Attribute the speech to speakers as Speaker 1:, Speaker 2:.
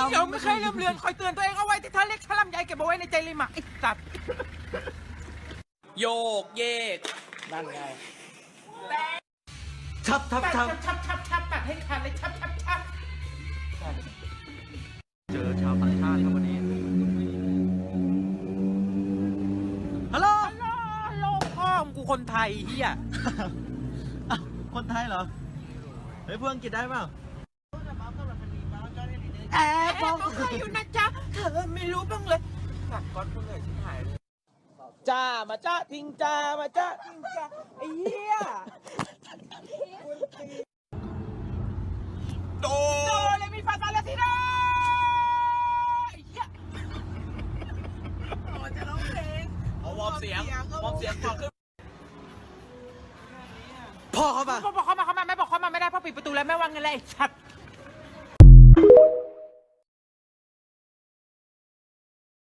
Speaker 1: เดี๋ยวไม่เคยลืมเลือนคอยเตือนตัวเองเอาไว้ที่เธอเรียกฉลำใหญ่เก็บเอาไว้ในใจเลยหมาไอ้สัตว์โยกเยกนั่นไงชับตัดให้ขาดเลยชับเจอชาวต่างชาติครับวันนี้ฮัลโหลพ่อกูคนไทยเฮีย
Speaker 2: คนไทยเหรอเฮ้ยเพื่อนอังกฤษได้เปล่า
Speaker 1: บอกเขาเคยอยู่นะจ๊ะเธอไม่รู้บ้างเลยสัตว์ก้อนเพื่อนเลยชิบหายเลยจ้ามาจ้าทิ้งจ้ามาจ้าทิ้งจ้าไอ้เหี้ยโดเลยมีฟาซาเลติโดไอ้เหี้ยจะร้องเพลงวอร์มเสียงพอขึ้นพ่อเข้ามาไม่บอกเข้ามาไม่ได้พ่อปิดประตูแล้วแม่วางเงินเลยไอ้สัตว์